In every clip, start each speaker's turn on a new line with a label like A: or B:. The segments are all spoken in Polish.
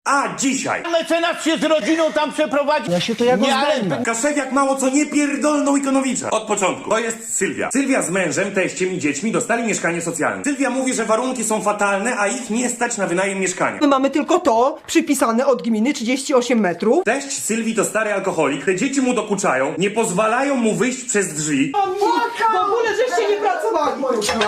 A: A dzisiaj
B: Mecenas się z rodziną tam przeprowadzi.
C: Ja się to jak oznajmę.
A: Kaszewiak mało co nie pierdolnął Ikonowicza. Od początku. To jest Sylwia. Sylwia z mężem, teściem i dziećmi dostali mieszkanie socjalne. Sylwia mówi, że warunki są fatalne, a ich nie stać na wynajem mieszkania.
D: My mamy tylko to przypisane od gminy 38 metrów.
A: Teść Sylwii to stary alkoholik, te dzieci mu dokuczają, nie pozwalają mu wyjść przez drzwi.
D: W ogóle żeście nie pracowali.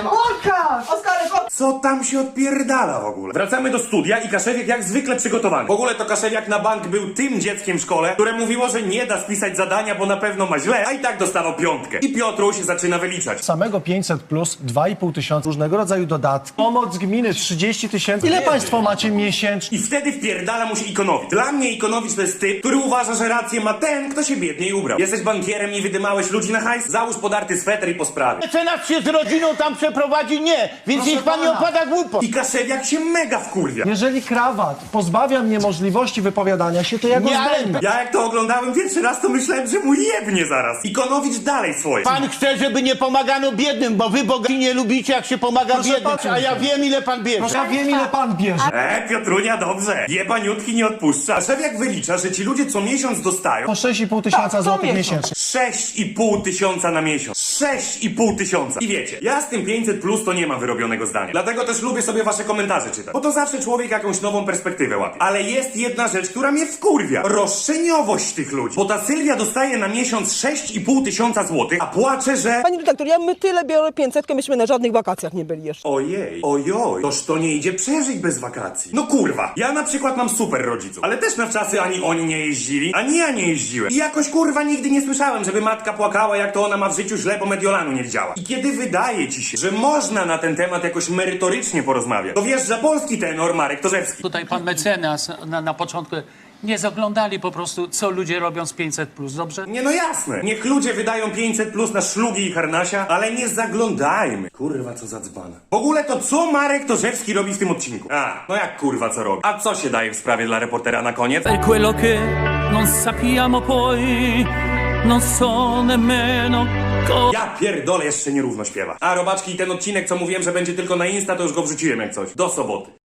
D: Olka! Oskarek,
A: Co tam się odpierdala w ogóle? Wracamy do studia i Kaszewiak jak zwykle przygotowany. W ogóle to Kaszewiak na bank był tym dzieckiem w szkole, które mówiło, że nie da spisać zadania, bo na pewno ma źle, a i tak dostawał piątkę. I Piotruś zaczyna wyliczać.
C: Samego 500 plus 2,5 tysiąca różnego rodzaju dodatki. Pomoc gminy 30 tysięcy. Ile państwo macie miesięcznie?
A: I wtedy wpierdala mu się Ikonowicz. Dla mnie Ikonowicz to jest typ, który uważa, że rację ma ten, kto się biedniej ubrał. Jesteś bankierem i wydymałeś ludzi na hajs? Załóż podarty sweter i po sprawie.
B: Mecenas się z rodziną tam przeprowadzi, nie. Więc niech pan nie
C: pana.
B: opada głupot.
A: I Kaszewiak się mega wkurwia.
C: Jeżeli krawat pozbawia mnie możliwości wypowiadania się, to ja go
B: Nie, ale-
C: zdejmę.
A: Ja jak to oglądałem pierwszy raz, to myślałem, że mu jebnie zaraz. Ikonowicz dalej swoje.
B: Pan chce, żeby nie pomagano biednym, bo wy bogaci nie lubicie, jak się pomaga
C: Proszę
B: biednym.
C: pana.
B: A ja wiem, ile pan bierze.
C: Ja wiem, ile pan bierze.
A: Piotrunia, dobrze. Jebaniutki nie odpuszcza. Kaszewiak wylicza, że ci ludzie co miesiąc dostają
C: Po 6,5 tysiąca złotych miesięcznie.
A: 6,5 tysiąca na miesiąc. 6,5 tysiąca. I wiecie, ja z tym 500 plus to nie mam wyrobionego zdania. Dlatego też lubię sobie wasze komentarze czytać. Bo to zawsze człowiek jakąś nową perspektywę łapie. Ale jest jedna rzecz, która mnie wkurwia. Roszczeniowość tych ludzi. Bo ta Sylwia dostaje na miesiąc 6,5 tysiąca złotych, a płacze, że...
D: Pani redaktor, my tyle biorę 500, myśmy na żadnych wakacjach nie byli jeszcze.
A: Ojej, ojoj, toż to nie idzie przeżyć bez wakacji. No kurwa, ja na przykład mam super rodziców, ale też na wczasy ani oni nie jeździli, ani ja nie jeździłem. I jakoś kurwa nigdy nie słyszałem, żeby matka płakała, jak to ona ma w życiu źle, bo Mediolanu nie widziała. I kiedy wydaje ci się, że można na ten temat jakoś merytorycznie porozmawiać, to wjeżdża polski tenor Marek Torzewski.
E: Tutaj pan mecenas na początku nie zaglądali po prostu, co ludzie robią z 500+, dobrze?
A: Nie no jasne, niech ludzie wydają 500 plus na szlugi i harnasia, ale nie zaglądajmy. Kurwa, co za dzbana. W ogóle to co Marek Torzewski robi w tym odcinku? A, no jak kurwa co robi? A co się daje w sprawie dla reportera na koniec?
F: Per quello che non sappiamo poi, non so nemmeno
A: Ja pierdolę, jeszcze nierówno śpiewa. A robaczki, ten odcinek, co mówiłem, że będzie tylko na Insta, to już go wrzuciłem jak coś. Do soboty.